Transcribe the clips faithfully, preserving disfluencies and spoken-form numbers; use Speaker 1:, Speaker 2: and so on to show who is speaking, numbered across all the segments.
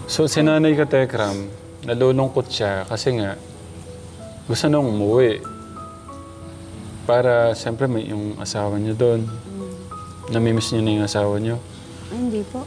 Speaker 1: So, si Nanay Katekram, nalulungkot siya kasi nga gusto nang umuwi. Para, siyempre, may yung asawa niyo doon.
Speaker 2: Mm.
Speaker 1: Namimiss niyo na yung asawa niyo.
Speaker 2: Ay, hindi po.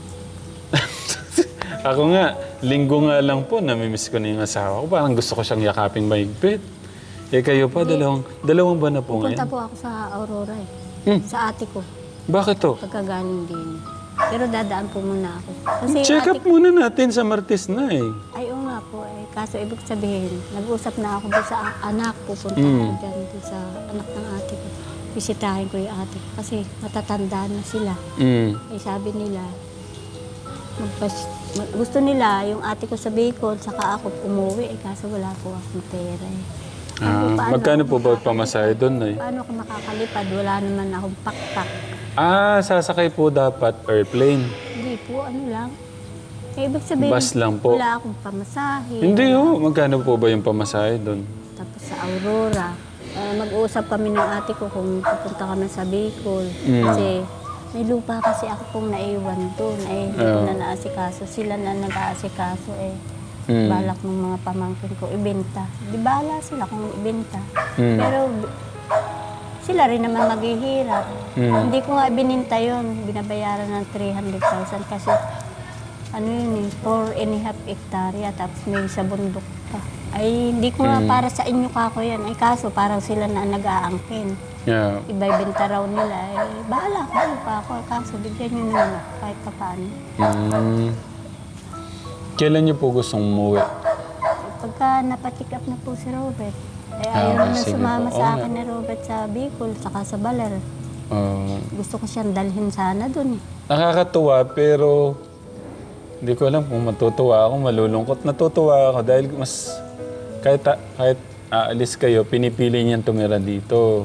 Speaker 1: Ako nga, linggo nga lang po, namimiss ko na yung asawa ko. Parang gusto ko siyang yakaping mahigpit. Eh kayo pa, dalawang, dalawang ba na po
Speaker 2: Pupunta
Speaker 1: ngayon?
Speaker 2: po ako sa Aurora eh.
Speaker 1: Hmm.
Speaker 2: Sa ate ko.
Speaker 1: Bakit to?
Speaker 2: Pagkagaling din. Pero dadaan po muna ako. Kasi
Speaker 1: Check
Speaker 2: ate
Speaker 1: up muna natin sa Martes na eh.
Speaker 2: Ay, oo nga po eh. Kaso ibig sabihin, nag-usap na ako doon sa a- anak. Pupunta
Speaker 1: Mm.
Speaker 2: ako dyan doon sa anak ng ate ko. Bisitahin ko yung ate ko. Kasi matatanda na sila.
Speaker 1: Mm.
Speaker 2: Eh sabi nila, magpas- mag- gusto nila yung ate ko sa Bicol, saka ako umuwi. Eh kaso wala po akong pera eh.
Speaker 1: Ah,
Speaker 2: paano
Speaker 1: magkano
Speaker 2: ako
Speaker 1: po ba
Speaker 2: makakalipad?
Speaker 1: pamasahe doon eh?
Speaker 2: Paano ako makakalipad? Wala naman akong pakpak.
Speaker 1: Ah, sasakay po dapat airplane.
Speaker 2: Hindi po, ano lang. Eh, ibig sabihin,
Speaker 1: Bus lang po.
Speaker 2: wala akong pamasahe.
Speaker 1: Hindi oh, magkano po ba yung pamasahe doon?
Speaker 2: Tapos sa Aurora, eh, mag-uusap kami ng ate ko kung pupunta kami sa Bicol.
Speaker 1: Mm.
Speaker 2: Kasi may lupa kasi ako pong naiwan doon. Eh, hindi ko
Speaker 1: Oh.
Speaker 2: na naasikaso. Sila na nag-aasikaso eh.
Speaker 1: Mm.
Speaker 2: Balak ng mga pamangkin ko, ibenta. Di bala sila kung ibenta.
Speaker 1: Mm.
Speaker 2: Pero b- sila rin naman maghihirap.
Speaker 1: Mm.
Speaker 2: Hindi ko nga bininta yun. Binabayaran ng three hundred thousand kasi ano yun eh, four and a half hektarya tapos may sa bundok pa. Ay, hindi ko nga
Speaker 1: Mm.
Speaker 2: para sa inyo kako yan. Ay, kaso parang sila na nag-aangkin.
Speaker 1: Yeah.
Speaker 2: Ibabenta raw nila. Eh, bahala ko pa ako. Kaso bigyan nyo naman ako kahit pa paano.
Speaker 1: Mm. Kailan niyo po gustong umuwi?
Speaker 2: Pagka napatik up na po si Robert, eh,
Speaker 1: Ah,
Speaker 2: ayaw
Speaker 1: okay,
Speaker 2: na
Speaker 1: sige
Speaker 2: sumama
Speaker 1: po.
Speaker 2: sa
Speaker 1: Oo
Speaker 2: akin
Speaker 1: nga.
Speaker 2: ni Robert sa Bicol, saka sa Baler.
Speaker 1: Ah,
Speaker 2: Gusto ko siyang dalhin sana dun eh.
Speaker 1: nakakatuwa pero hindi ko alam kung matutuwa ako, malulungkot. Natutuwa ako dahil mas kahit, kahit aalis kayo, pinipili niyang tumira dito.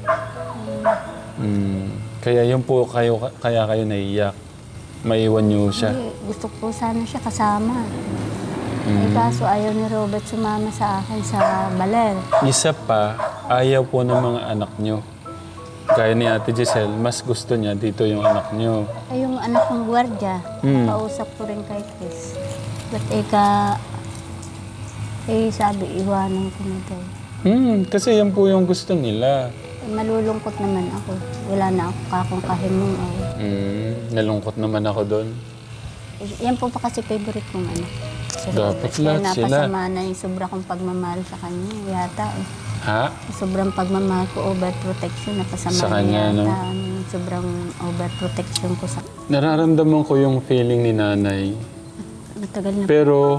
Speaker 1: Mm. Kaya yun po kayo, kaya kayo naiyak. Maiwan niyo siya.
Speaker 2: Eh, gusto ko sana siya kasama.
Speaker 1: Mm.
Speaker 2: Eh, kaso ayaw ni Robert sumama sa akin sa Baler.
Speaker 1: Isa pa, ayaw po ng mga anak niyo. Gaya ni Ate Giselle, mas gusto niya dito yung anak niyo.
Speaker 2: Ay, yung anak ng gwardya,
Speaker 1: Hmm.
Speaker 2: kausap ko rin kay Chris. Ba't eka, eh sabi, iwanan ko na daw.
Speaker 1: Hmm, kasi yan po yung gusto nila.
Speaker 2: Eh, malulungkot naman ako. Wala na ako kakong kahimong. Oh.
Speaker 1: Hmm, nalungkot naman ako doon.
Speaker 2: Eh, yan po pa kasi favorite kong anak. Si
Speaker 1: Dapat
Speaker 2: Robert.
Speaker 1: lahat
Speaker 2: Kaya
Speaker 1: sila.
Speaker 2: napasama na yung sobra kong pagmamahal sa kanya. Yata eh.
Speaker 1: Ha?
Speaker 2: Sobrang pagmamahal ko, overprotection, napasama
Speaker 1: Sa
Speaker 2: na
Speaker 1: kanya,
Speaker 2: yata.
Speaker 1: no?
Speaker 2: Yung sobrang overprotection ko sa...
Speaker 1: Nararamdaman ko yung feeling ni nanay.
Speaker 2: Matagal na.
Speaker 1: Pero,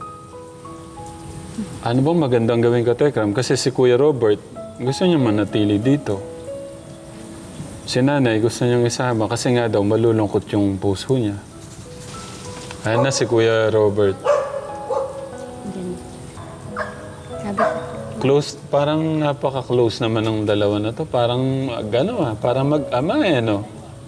Speaker 1: ano bang magandang gawin ka, Tekram? Kasi si Kuya Robert, gusto niya manatili dito. Si nanay, gusto niyang isama kasi nga daw malulungkot yung puso niya. Ayan na si Kuya Robert.
Speaker 2: Yan. Sabi ko,
Speaker 1: Close, parang napaka-close naman ng dalawa na to. Parang, gano ah, parang mag-ama eh, no?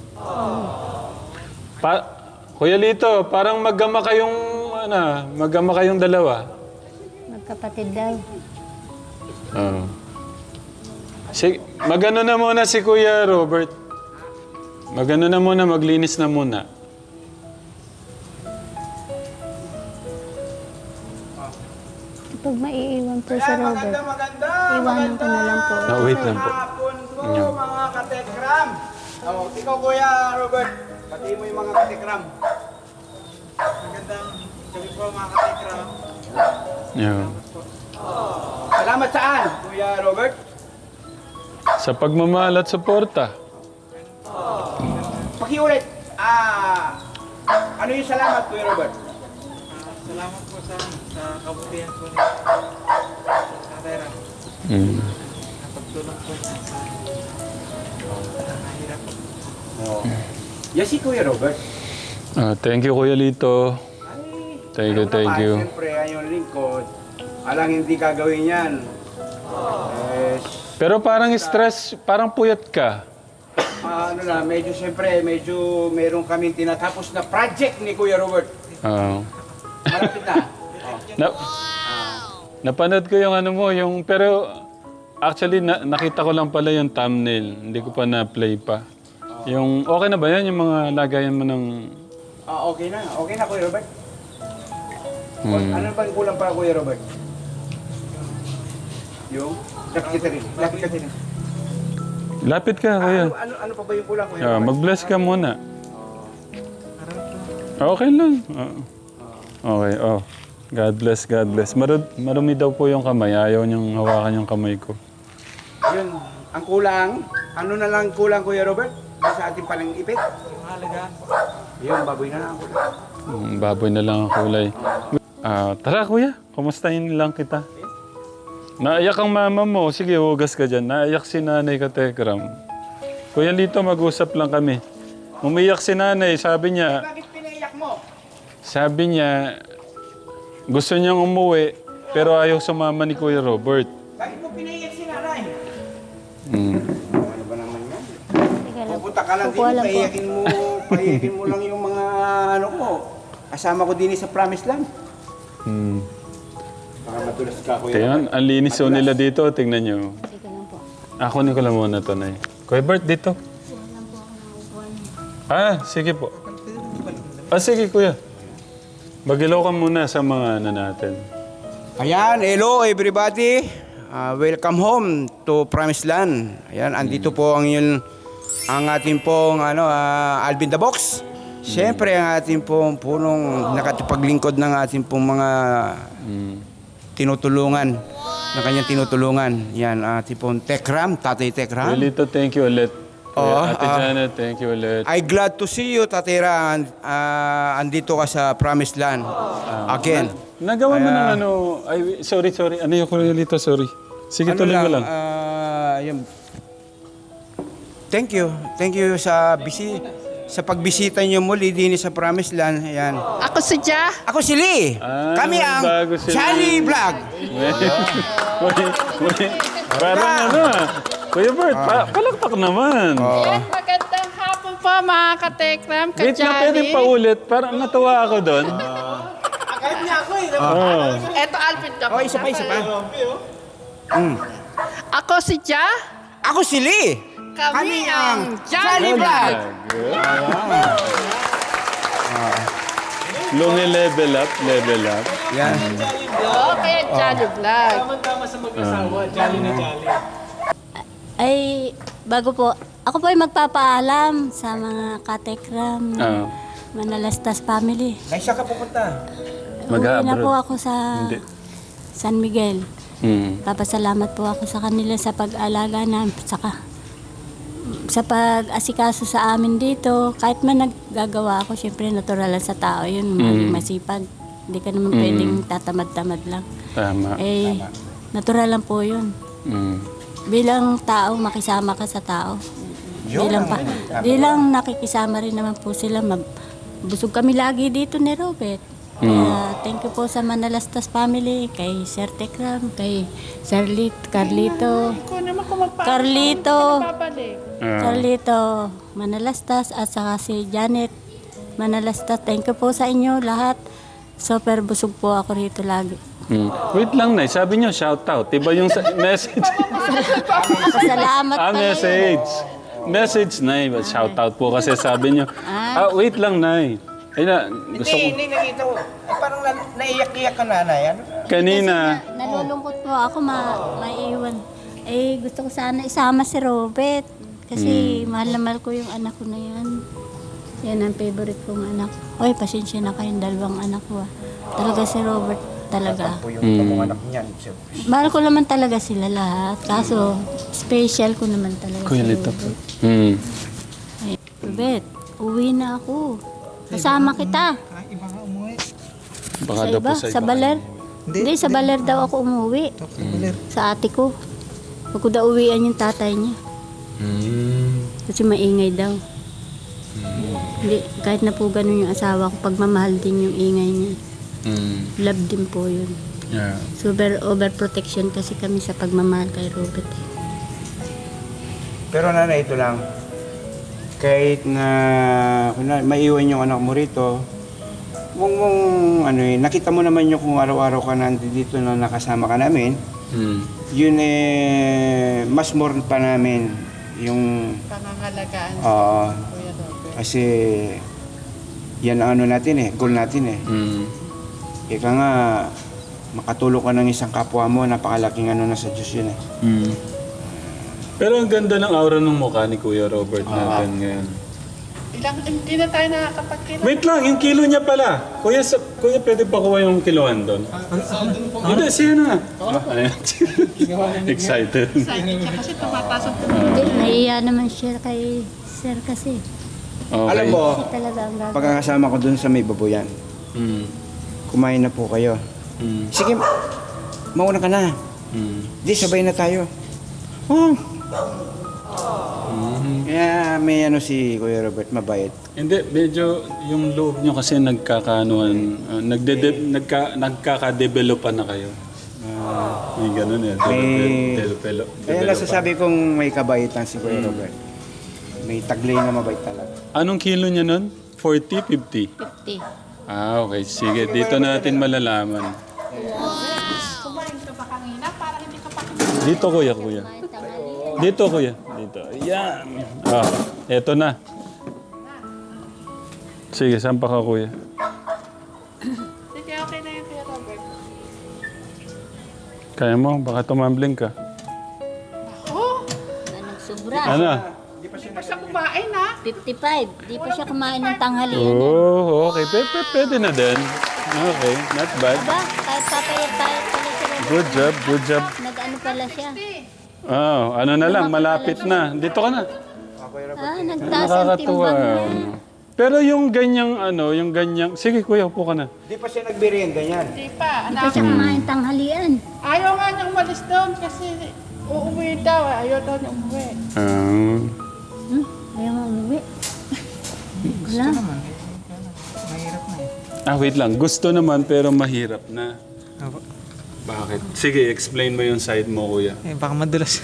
Speaker 1: Pa Kuya Lito, parang mag-ama kayong, ano, mag-ama kayong dalawa.
Speaker 2: magkapatid daw.
Speaker 1: Oo. Si, magano na muna si Kuya Robert. Magano na muna, maglinis na muna.
Speaker 2: Kapag maiiwan po si Robert, iwanan ko na lang po.
Speaker 1: No, wait lang po.
Speaker 3: Hapon po,
Speaker 1: Yeah.
Speaker 3: mga katekram. Oh, ikaw, Kuya Robert, pati mo yung mga katekram. Magandang gabi po, mga katekram.
Speaker 1: Yeah.
Speaker 3: Salamat saan, Kuya Robert?
Speaker 1: Sa pagmamahal at suporta.
Speaker 3: Pakiulit. Ah, ano yung salamat, Kuya Robert?
Speaker 4: Salamat po sa sa kabutihan po ni Tatay Ram.
Speaker 1: Mm.
Speaker 4: Napagtulong po niya sa nahirap.
Speaker 3: Yes, si Kuya Robert.
Speaker 1: Ah, thank you, Kuya Lito.
Speaker 3: Ay,
Speaker 1: Thank you,
Speaker 3: ano
Speaker 1: thank
Speaker 3: naman,
Speaker 1: you.
Speaker 3: Siyempre, ayong lingkod. Alang hindi gagawin yan. Eh,
Speaker 1: Pero parang stress, parang puyat ka.
Speaker 3: ah, ano na, medyo siyempre, medyo meron kaming tinatapos na project ni Kuya Robert.
Speaker 1: Ah.
Speaker 3: Malapit na. Oh.
Speaker 1: Na, napanood ko yung ano mo, yung, pero actually na, nakita ko lang pala yung thumbnail. Hindi ko pa na-play pa. Yung, okay na ba yan? Yung mga lagayan mo ng...
Speaker 3: Ah, okay na. Okay na, Kuya Robert.
Speaker 1: Hmm.
Speaker 3: Ano bang kulang pa, Kuya Robert? Yung? Lapit ka rin. Lapit ka rin.
Speaker 1: Lapit ka, kuya.
Speaker 3: Ano, ano, ano pa ba yung kulang, Kuya
Speaker 1: Ah,
Speaker 3: Robert?
Speaker 1: mag-bless ka muna. Okay lang. Ah. Okay, oh. God bless, God bless. Marud marumi daw po yung kamay. Ayaw niyang hawakan yung kamay ko.
Speaker 3: Yun, ang kulang, ano na lang kulang, Kuya Robert? Sa ating palang ipit?
Speaker 4: Yung halaga.
Speaker 3: Yung baboy na lang ang kulang.
Speaker 1: Mm, baboy na lang ang kulay. Ah, tara kuya, kumustahin lang kita. Naiyak ang mama mo. Sige, hugas ka dyan. Naiyak si nanay ka, Tekram. Kuya Lito, mag-usap lang kami. Umiyak si nanay. Sabi niya,
Speaker 3: Bakit pinaiyak mo?
Speaker 1: sabi niya, gusto niyang umuwi, pero ayaw sumama ni Kuya Robert.
Speaker 3: Bakit mo pinaiyak si nanay?
Speaker 1: Mm.
Speaker 3: Ano ba naman yan?
Speaker 2: Sige lang.
Speaker 3: Pupunta ka lang din,
Speaker 2: Kukuha lang po.
Speaker 3: paiyakin mo, paiyakin mo lang yung mga ano ko. Kasama ko din sa Promise Land.
Speaker 1: Mm.
Speaker 3: Baka matulas ka, Kuya.
Speaker 1: Tingnan, ang linis o nila dito. Tingnan niyo.
Speaker 2: Sige lang po.
Speaker 1: Ako ni ko lang muna to, Nay. Kuya Bert, dito. Ah, sige po. Ah, sige, kuya. Magilaw ka muna sa mga ano natin.
Speaker 3: Ayan, hello everybody. Ah, welcome home to Promise Land. Ayan, andito po ang yun, ang ating pong ano, ah, Alvin the Box. Siyempre, ang ating pong punong nakatipaglingkod ng ating pong mga
Speaker 1: Mm.
Speaker 3: tinutulungan, ng kanyang tinutulungan. Yan, ating pong Tekram, Tatay Tekram.
Speaker 1: Lito, thank you ulit.
Speaker 3: Oo,
Speaker 1: Kuya Ate
Speaker 3: ah.
Speaker 1: Janet, thank you ulit.
Speaker 3: I glad to see you, Tatay Ram. Ah, andito ka sa Promised Land. Again.
Speaker 1: Nagawa mo
Speaker 3: Kaya-
Speaker 1: ng ano, ay, sorry, sorry. Ano yung Kuya Lito, sorry. Sige, tuloy mo lang.
Speaker 3: ah, yun. Thank you. Thank you sa bisi sa pagbisita niyo muli din sa Promised Land. Ayan.
Speaker 5: Ako si Ja.
Speaker 3: Ako si Lee.
Speaker 1: Ah,
Speaker 3: Kami ang
Speaker 1: bago si
Speaker 3: Charlie
Speaker 1: Lee.
Speaker 3: Vlog.
Speaker 1: Uy, uy, parang ano ah. Kuya Bert, pa palakpak naman.
Speaker 5: Yan, magandang hapon po mga katekram,
Speaker 1: Wait na, pwede
Speaker 5: kajali.
Speaker 1: pa ulit. Parang natuwa ako doon.
Speaker 4: Kahit niya ako eh.
Speaker 1: Oo.
Speaker 5: Eto, Alvin ka
Speaker 3: Oh, isa pa, isa pa. Mm.
Speaker 5: Ako si Ja.
Speaker 3: Ako si Lee.
Speaker 5: Kami,
Speaker 3: Kami
Speaker 5: ang
Speaker 3: ang
Speaker 5: Jolly
Speaker 3: Jolly
Speaker 5: Vlog.
Speaker 1: Lungi level up, level up.
Speaker 3: Yan.
Speaker 5: Oo, kaya Jolly Vlog.
Speaker 4: Tama-tama sa mag-asawa. Jolly na jolly.
Speaker 2: Ay, bago po, ako po ay magpapaalam sa mga katekram,
Speaker 1: Ah.
Speaker 2: Manalastas family.
Speaker 3: Naisa ka pupunta.
Speaker 2: Uwi na
Speaker 1: Mag-abroad.
Speaker 2: po ako sa
Speaker 1: Hindi.
Speaker 2: San Miguel.
Speaker 1: Mm.
Speaker 2: Papasalamat po ako sa kanila sa pag-alaga na, saka sa pag-asikaso sa amin dito. Kahit man naggagawa ako, syempre natural lang sa tao yun, maging masipag. Hindi ka naman pwedeng tatamad-tamad lang.
Speaker 1: Tama.
Speaker 2: Eh, natural lang po yun.
Speaker 1: Mm.
Speaker 2: Bilang tao, makisama ka sa tao. Bilang pa, bilang nakikisama rin naman po sila. Mab- busog kami lagi dito ni Robert. Kaya thank you po sa Manalastas family, kay Sir Tekram, kay Sir Lit, Carlito,
Speaker 5: Kung naman kung magpapalik.
Speaker 2: Carlito,
Speaker 1: Ah.
Speaker 2: Carlito, Manalastas, at saka si Janet Manalastas. Thank you po sa inyo lahat. Super busog po ako rito lagi.
Speaker 1: Mm. Wait lang, Nay. Sabi niyo, shout out. Diba yung sa- message?
Speaker 2: Salamat
Speaker 1: ah,
Speaker 2: pala.
Speaker 1: message. Message, Nay. Shout out po kasi sabi niyo. Ah, wait lang, Nay. Ay na, gusto ko.
Speaker 3: Hindi, hindi nakita ko. Ay, parang na, naiyak-iyak ka nanay. Ano?
Speaker 1: Kanina.
Speaker 2: Kasi na, nalulungkot po ako, ma maiiwan. Eh, gusto ko sana isama si Robert. Kasi mahal na mahal ko yung anak ko na yan. Yan ang favorite kong anak. Oy, pasensya na kayong dalawang anak ko. ah. Talaga si Robert, talaga.
Speaker 3: Po yung mm. anak niyan.
Speaker 2: Mahal ko naman talaga sila lahat. Kaso, special ko naman talaga
Speaker 1: Kuya
Speaker 2: si
Speaker 1: Lito po.
Speaker 2: Robert.
Speaker 1: Mm.
Speaker 2: Ay, Robert, uwi na ako. Kasama kita.
Speaker 4: Ah, iba nga umuwi.
Speaker 1: Baka
Speaker 2: Sa
Speaker 1: daw po
Speaker 2: iba,
Speaker 1: sa
Speaker 2: sa
Speaker 1: iba.
Speaker 2: Baler.
Speaker 4: Hindi,
Speaker 2: Hindi, sa Baler daw ako umuwi.
Speaker 4: Baler.
Speaker 2: Sa ate ko. Huwag ko daw uwian yung tatay niya.
Speaker 1: Mm.
Speaker 2: Kasi maingay daw. Hindi, kahit na po ganun yung asawa ko, pagmamahal din yung ingay niya.
Speaker 1: Mm.
Speaker 2: Love din po yun.
Speaker 1: Yeah.
Speaker 2: Super overprotection kasi kami sa pagmamahal kay Robert. eh.
Speaker 3: Pero nanay, ito lang. Kahit na kunwari, maiwan yung anak mo rito, mong, mong ano eh, nakita mo naman yung kung araw-araw ka nandito na nakasama ka namin,
Speaker 1: Mm.
Speaker 3: yun eh, mas more pa namin yung,
Speaker 5: Pangangalagaan
Speaker 3: oo,
Speaker 5: Kuya Robert.
Speaker 3: kasi yan ang ano natin eh, goal natin eh.
Speaker 1: Mm.
Speaker 3: Ika nga, makatulong ka ng isang kapwa mo, napakalaking ano na sa Diyos yun eh.
Speaker 1: Mm. Pero ang ganda ng aura ng mukha ni Kuya Robert natin ngayon.
Speaker 5: Ilang, hindi na tayo nakakapagkita.
Speaker 1: Wait lang, yung kilo niya pala. Kuya, sa, kuya pwede pa kuha yung kiloan doon? Hindi, siya na. Ah, ayan. Excited.
Speaker 5: Excited siya kasi tumataas ang
Speaker 2: Hindi, naiya naman siya kay sir kasi.
Speaker 1: Okay.
Speaker 3: Alam mo,
Speaker 2: Kasi talaga ang gagawin.
Speaker 3: pagkakasama ko dun sa may babuyan,
Speaker 1: Mm.
Speaker 3: kumain na po kayo.
Speaker 1: Mm.
Speaker 3: Sige, mauna ka na.
Speaker 1: Mm.
Speaker 3: Di, sabay na tayo. Oh. Kaya may ano si Kuya Robert, mabait.
Speaker 1: Hindi, medyo yung loob nyo kasi nagkakaanuan, uh, nagde nagka, nagkaka-developan na kayo. Ah, may ganun eh.
Speaker 3: May-
Speaker 1: Develop,
Speaker 3: Kaya nasasabi kong may kabaitan si Kuya Robert. May taglay na mabait talaga.
Speaker 1: Anong kilo niya nun? forty, fifty?
Speaker 2: fifty.
Speaker 1: Ah, okay. Sige, dito natin malalaman.
Speaker 5: kumain ka ba kanina? Parang hindi ka pa
Speaker 1: Dito, kuya, kuya. Dito, kuya. Dito. Ayan. Ah, eto na. Sige, saan pa ka, kuya?
Speaker 5: Sige, okay na yun, Kuya Robert.
Speaker 1: Kaya mo, baka tumambling ka.
Speaker 5: Oh,
Speaker 2: Anong sobra?
Speaker 1: Ano?
Speaker 5: hindi pa siya kumain ha.
Speaker 2: fifty-five. Di pa siya kumain ng tanghalian.
Speaker 1: Oh, okay. P -p Pwede na din. Okay, not bad.
Speaker 2: Aba, kahit papayat-payat pala si Robert.
Speaker 1: Good job, good job.
Speaker 2: Nag-ano pala siya.
Speaker 1: Oh, ano na lang, malapit na. Dito ka na.
Speaker 2: Ah, nagtaas ang
Speaker 1: Nakakatuwa.
Speaker 2: timbang na.
Speaker 1: Pero yung ganyang ano, yung ganyang... Sige kuya, upo ka na.
Speaker 3: Di pa siya nagbirienda yan.
Speaker 5: Hindi pa,
Speaker 2: Di pa
Speaker 5: anak.
Speaker 2: siya kumain tanghalian.
Speaker 5: Ayaw nga niyang umalis doon kasi uuwi daw. eh. Ayaw daw niya umuwi.
Speaker 1: Ah,
Speaker 2: Hmm? Ayaw mo umuwi. Wala.
Speaker 1: ah, wait lang. Gusto naman pero mahirap na. Bakit? Sige, explain mo yung side mo, kuya.
Speaker 4: Eh, baka madulas.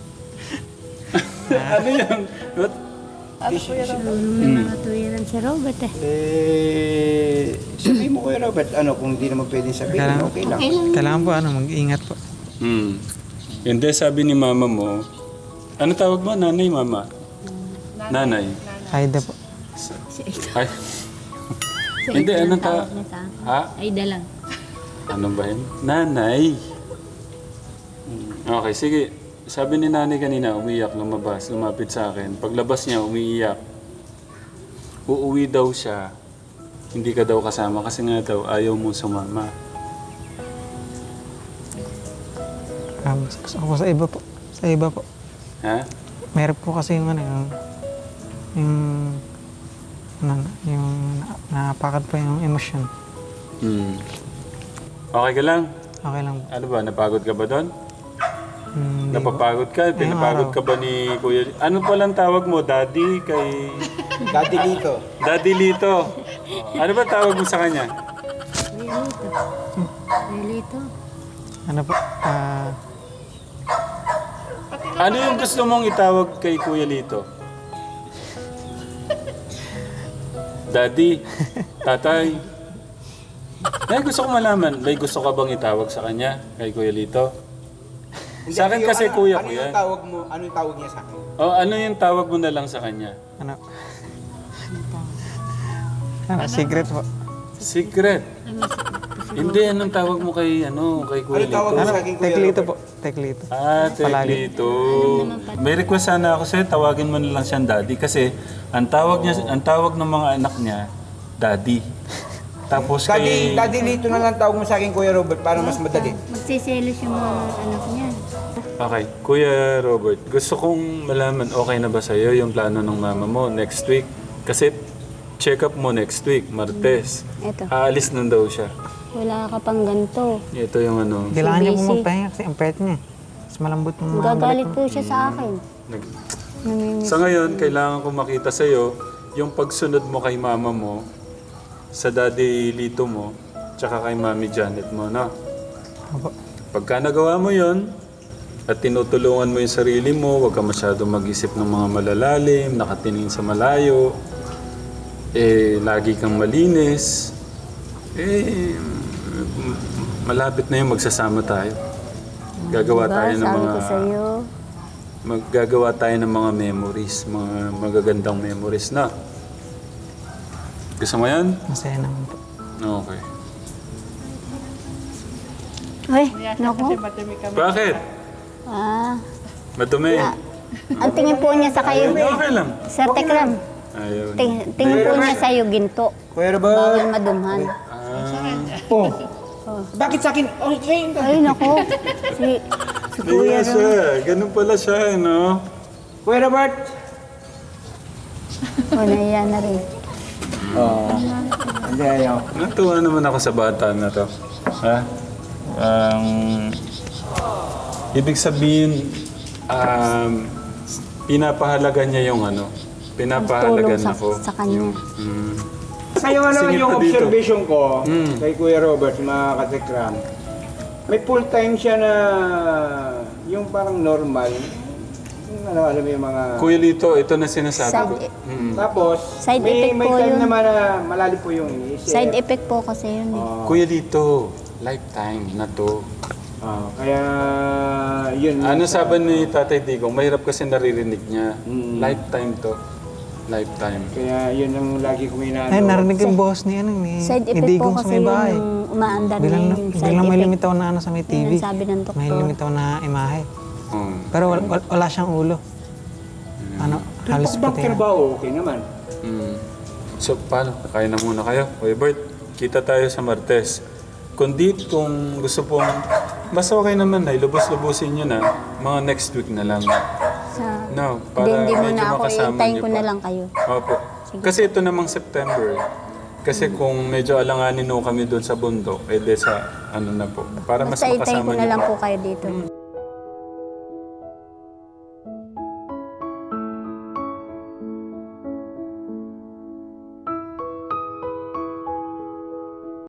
Speaker 1: ano yan? What?
Speaker 2: May mga tuwiran si Robert eh.
Speaker 3: Eh, sabihin mo Kuya Robert, ano, kung di naman pwedeng sabihin,
Speaker 4: Kailangan-
Speaker 3: okay lang.
Speaker 2: Okay lang.
Speaker 4: Kailangan po, ano, mag-ingat po.
Speaker 1: Hmm. Hindi, sabi ni mama mo, ano tawag mo? Nanay, mama? Nanay.
Speaker 4: Aida po.
Speaker 2: Si Ito.
Speaker 1: Ay,
Speaker 2: Si
Speaker 1: Hindi,
Speaker 2: Ito
Speaker 1: anong
Speaker 2: ang tawag
Speaker 1: ta-
Speaker 2: niya sa akin.
Speaker 1: ha?
Speaker 2: Aida lang.
Speaker 1: Ano ba yun? Nanay. Hmm. Okay, sige. Sabi ni nanay kanina, umiyak, lumabas, lumapit sa akin. Paglabas niya, umiiyak. Uuwi daw siya. Hindi ka daw kasama kasi nga daw ayaw mo sumama.
Speaker 4: Um, ako sa iba po. Sa iba po.
Speaker 1: Ha?
Speaker 4: Meron po kasi yung ano, yung... Yung... Ano, yung na- napakad po yung emosyon.
Speaker 1: Hmm. Okay ka lang?
Speaker 4: Okay lang po.
Speaker 1: Ano ba, napagod ka ba doon?
Speaker 4: Hmm,
Speaker 1: Napapagod ka? Pinapagod ka ba ni Kuya? Ano palang tawag mo? Daddy? Kay...
Speaker 3: Daddy Lito.
Speaker 1: Daddy Lito. Ano ba tawag mo sa kanya?
Speaker 2: Relito. Relito.
Speaker 4: ano po, ah...
Speaker 1: Ano yung gusto mong itawag kay Kuya Lito? Daddy, tatay. Eh, gusto ko malaman, may gusto ka bang itawag sa kanya kay Kuya Lito? Sa akin
Speaker 3: Hindi,
Speaker 1: kasi
Speaker 3: ano,
Speaker 1: kuya,
Speaker 3: ano
Speaker 1: kuya.
Speaker 3: yung tawag mo? Ano yung tawag niya sa akin?
Speaker 1: O ano yung tawag mo na lang sa kanya?
Speaker 4: ano... Ano, secret po.
Speaker 1: Secret. Hindi, anong tawag mo kay, ano, kay Kuya
Speaker 3: Ano tawag
Speaker 1: Lito?
Speaker 3: mo sa akin, Kuya
Speaker 4: Teklito
Speaker 3: Robert?
Speaker 4: po. Teklito.
Speaker 1: Ah,
Speaker 4: Palagi.
Speaker 1: Teklito. May request sana ako sa'yo, tawagin mo na lang siyang daddy kasi ang tawag niya, ang tawag ng mga anak niya, daddy. Tapos
Speaker 3: Daddy,
Speaker 1: kay...
Speaker 3: Daddy Lito na lang tawag mo sa akin, Kuya Robert, para mas madali.
Speaker 2: Magsiselos yung mga anak niya.
Speaker 1: Okay, Kuya Robert, gusto kong malaman okay na ba sa'yo yung plano ng mama mo next week? Kasi check up mo next week, Martes.
Speaker 2: Ito.
Speaker 1: Aalis na daw siya.
Speaker 2: Wala ka pang ganito.
Speaker 1: Ito yung ano.
Speaker 4: Kailangan niya po
Speaker 2: busy.
Speaker 4: magpahinga kasi ang pet niya. Mas malambot yung mga
Speaker 2: Gagalit
Speaker 4: balik
Speaker 2: po siya sa akin.
Speaker 1: Nag-
Speaker 2: Namimiss.
Speaker 1: Sa ngayon, kailangan ko makita sa'yo yung pagsunod mo kay mama mo, sa daddy Lito mo, tsaka kay mami Janet mo, no?
Speaker 4: Opo.
Speaker 1: Pagka nagawa mo yon at tinutulungan mo yung sarili mo, huwag ka masyado mag-isip ng mga malalalim, nakatingin sa malayo, eh, lagi kang malinis, eh, m- malapit na yung magsasama tayo. Gagawa
Speaker 2: Diba,
Speaker 1: tayo ng
Speaker 2: sabi
Speaker 1: mga...
Speaker 2: ko sa'yo,
Speaker 1: Maggagawa tayo ng mga memories, mga magagandang memories na. Gusto mo yan?
Speaker 4: Masaya naman po.
Speaker 1: Okay.
Speaker 2: Uy,
Speaker 5: Niya
Speaker 2: naku.
Speaker 5: kasi madumi kami.
Speaker 1: Bakit?
Speaker 2: Ah,
Speaker 1: Madumi.
Speaker 2: ang tingin po niya sa kayo,
Speaker 1: Okay lang.
Speaker 2: Sir Tekram.
Speaker 1: Ayaw.
Speaker 2: Ting, tingin po niya sa iyo ginto.
Speaker 3: Kuya
Speaker 2: Bawal
Speaker 3: Robert.
Speaker 2: madumhan.
Speaker 3: Oh. Bakit sa akin? Okay.
Speaker 2: Ay, naku. Si, si Kuya
Speaker 1: Kuya
Speaker 2: Ro.
Speaker 1: siya. Ganun pala siya, no?
Speaker 3: Kuya Robert.
Speaker 2: O, naiya na rin.
Speaker 3: Oo. Hindi ayaw.
Speaker 1: Natuwa naman ako sa bata na to. Ha? Um, ibig sabihin, um, pinapahalaga niya yung ano, pinapahalagan
Speaker 2: Tulong sa,
Speaker 1: ako.
Speaker 2: sa kanya.
Speaker 1: Mm.
Speaker 3: Ngayon ano
Speaker 1: Singit
Speaker 3: yung
Speaker 1: pa dito.
Speaker 3: observation ko
Speaker 1: Mm.
Speaker 3: kay Kuya Robert, mga katekram, may full time siya na yung parang normal. Yung ano, alam mo yung mga...
Speaker 1: Kuya Lito, ito na sinasabi ko.
Speaker 2: Side,
Speaker 1: Mm.
Speaker 3: Tapos,
Speaker 2: Side
Speaker 3: may,
Speaker 2: effect
Speaker 3: may
Speaker 2: po
Speaker 3: time
Speaker 2: yun.
Speaker 3: naman na malalim po yung iniisip.
Speaker 2: side effect po kasi yun. eh.
Speaker 3: Oo.
Speaker 1: Kuya Lito, lifetime na to.
Speaker 3: Oo, kaya yun.
Speaker 1: Ano sabi ni Tatay Digong, mahirap kasi naririnig niya.
Speaker 3: Mm.
Speaker 1: Lifetime to. Lifetime.
Speaker 3: Kaya yun ang lagi kong inaano.
Speaker 4: Ay, narinig yung boss ni, ano, ni,
Speaker 2: Side
Speaker 4: ni
Speaker 2: effect po
Speaker 4: Digong sa
Speaker 2: kasi
Speaker 4: may
Speaker 2: yun
Speaker 4: bahay.
Speaker 2: yung umaandar na
Speaker 4: Bilang,
Speaker 2: yung side
Speaker 4: bilang may
Speaker 2: effect.
Speaker 4: limitaw na ano sa may T V.
Speaker 2: Yun ang sabi ng doktor.
Speaker 4: May limitaw na imahe.
Speaker 1: Oh.
Speaker 4: Pero wala, wala, wala siyang ulo. Ano, halos
Speaker 3: Tutok
Speaker 4: puti.
Speaker 3: doctor ba okay naman?
Speaker 1: Mm. So, paano? Kakain na muna kayo. Kuya Bert, kita tayo sa Martes. Kundi kung gusto pong, basta okay naman na, ilubos-lubusin nyo na, mga next week na lang.
Speaker 2: Sa,
Speaker 1: No,
Speaker 2: hindi,
Speaker 1: para
Speaker 2: hindi mo
Speaker 1: medyo
Speaker 2: na ako,
Speaker 1: makasama
Speaker 2: iintayin
Speaker 1: niyo
Speaker 2: ko
Speaker 1: pa.
Speaker 2: na lang kayo.
Speaker 1: Opo. Kasi ito namang September. Kasi kung medyo alanganin no kami doon sa bundok, eh de sa ano na po. Para mas
Speaker 2: Basta iintayin
Speaker 1: makasama
Speaker 2: ko na
Speaker 1: niyo
Speaker 2: lang
Speaker 1: pa.
Speaker 2: po kayo dito.
Speaker 1: Mm,